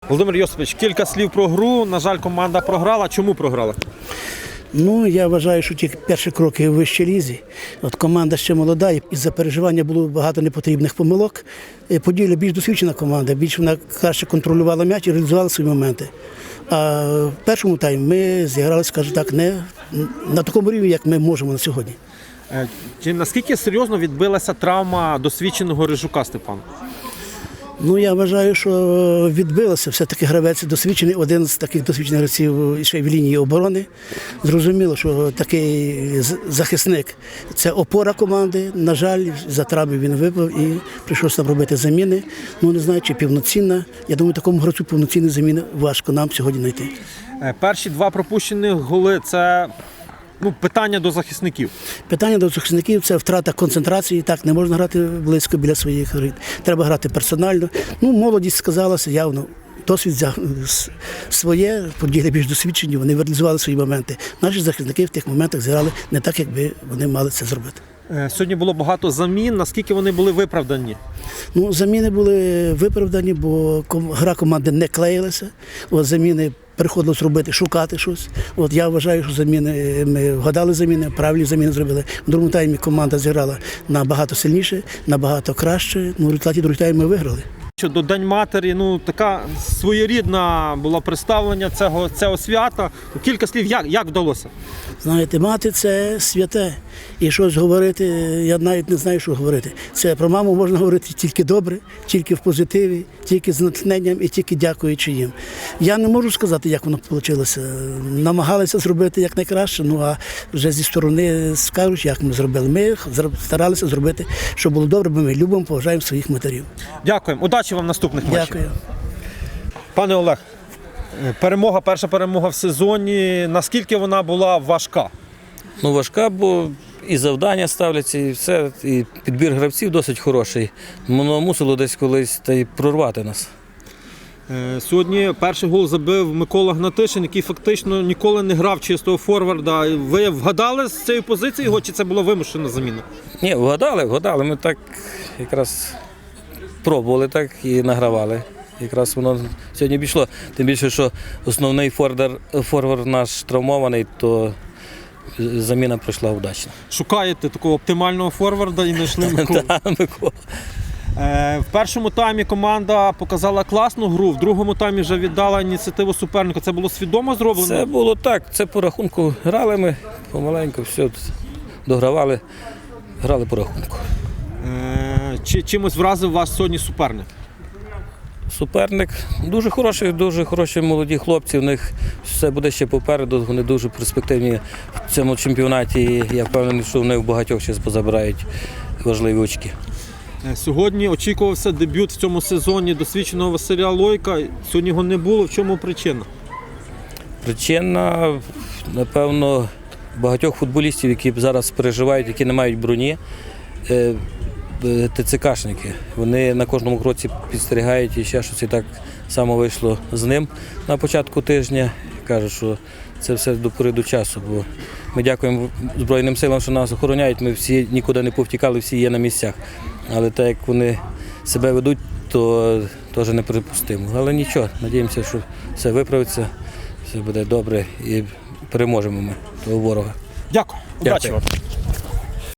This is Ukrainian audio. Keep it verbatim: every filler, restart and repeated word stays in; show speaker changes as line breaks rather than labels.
Володимир Йосипович, кілька слів про гру. На жаль, команда програла. Чому програла?
Ну, я вважаю, що ті перші кроки в вищій лізі. От команда ще молода, і із-за переживання було багато непотрібних помилок. Поділля більш досвідчена команда, більш вона краще контролювала м'яч і реалізувала свої моменти. А в першому таймі ми зіграли, скажімо так, не на такому рівні, як ми можемо на сьогодні.
Чи наскільки серйозно відбилася травма досвідченого Рижука Степана?
Ну, я вважаю, що відбилося. Все-таки гравець досвідчений, один з таких досвідчених гравців ще й в лінії оборони. Зрозуміло, що такий захисник – це опора команди. На жаль, за травми він випав і прийшлося нам робити заміни. Ну, не знаю, чи повноцінна. Я думаю, такому гравцю повноцінної заміни важко нам сьогодні знайти.
Перші два пропущені голи – це... Ну, питання до захисників.
Питання до захисників – це втрата концентрації. Так, не можна грати близько біля своїх воріт. Треба грати персонально. Ну, молодість сказалася явно. Досвід взяв своє, події більш досвідчені, вони реалізували свої моменти. Наші захисники в тих моментах зіграли не так, як би вони мали це зробити.
Сьогодні було багато замін. Наскільки вони були виправдані?
Ну, заміни були виправдані, бо гра команди не клеїлася. От заміни приходилось робити, шукати щось. От я вважаю, що заміни, ми вгадали заміни, правильні заміни зробили. В другому таймі команда зіграла набагато сильніше, набагато краще. Ну, в результаті другого тайму ми виграли.
До День матері, ну, така своєрідна була представлення цього, цього свята. Кілька слів, як, як вдалося?
Знаєте, мати – це святе. І щось говорити, я навіть не знаю, що говорити. Це про маму можна говорити тільки добре, тільки в позитиві, тільки з натхненням і тільки дякуючи їм. Я не можу сказати, як воно вийшло. Намагалися зробити якнайкраще, ну а вже зі сторони скажуть, як ми зробили. Ми старалися зробити, щоб було добре, бо ми любимо, поважаємо своїх матерів.
Дякуємо. Удачі вам в наступних матчах.
Дякую.
Пане Олег, перемога, перша перемога в сезоні. Наскільки вона була важка?
Ну, важка, бо і завдання ставляться, і все, і підбір гравців досить хороший. Воно мусило десь колись та й прорвати нас.
Сьогодні перший гол забив Микола Гнатишин, який фактично ніколи не грав чистого форварда. Ви вгадали з цієї позиції його, чи це була вимушена заміна?
Ні, вгадали, вгадали. Ми так якраз пробували так і награвали. Якраз воно сьогодні пішло. Тим більше, що основний форвард, форвард наш травмований, то заміна пройшла удачно.
Шукаєте такого оптимального форварда і знайшли Миколу.
Микола.
В першому таймі команда показала класну гру, в другому таймі вже віддала ініціативу суперника. Це було свідомо зроблено?
Це було так, це по рахунку грали ми, помаленьку, все, догравали, грали по рахунку.
Чи чимось вразив вас сьогодні суперник?
Суперник дуже хороший, дуже хороші молоді хлопці, у них все буде ще попереду, вони дуже перспективні в цьому чемпіонаті. Я впевнений, що вони в багатьох ще позабирають важливі очки.
Сьогодні очікувався дебют в цьому сезоні досвідченого Василя Лойка. Сьогодні його не було. В чому причина?
Причина, напевно, багатьох футболістів, які зараз переживають, які не мають броні, ТЦКшники. Вони на кожному кроці підстерігають і ще щось, і так само вийшло з ним на початку тижня. Кажуть, що це все до пори до часу, бо ми дякуємо Збройним силам, що нас охороняють, ми всі нікуди не повтікали, всі є на місцях. Але так, як вони себе ведуть, то теж неприпустимо. Але нічого, надіємося, що все виправиться, все буде добре і переможемо ми того ворога.
Дякую. Удачі вам.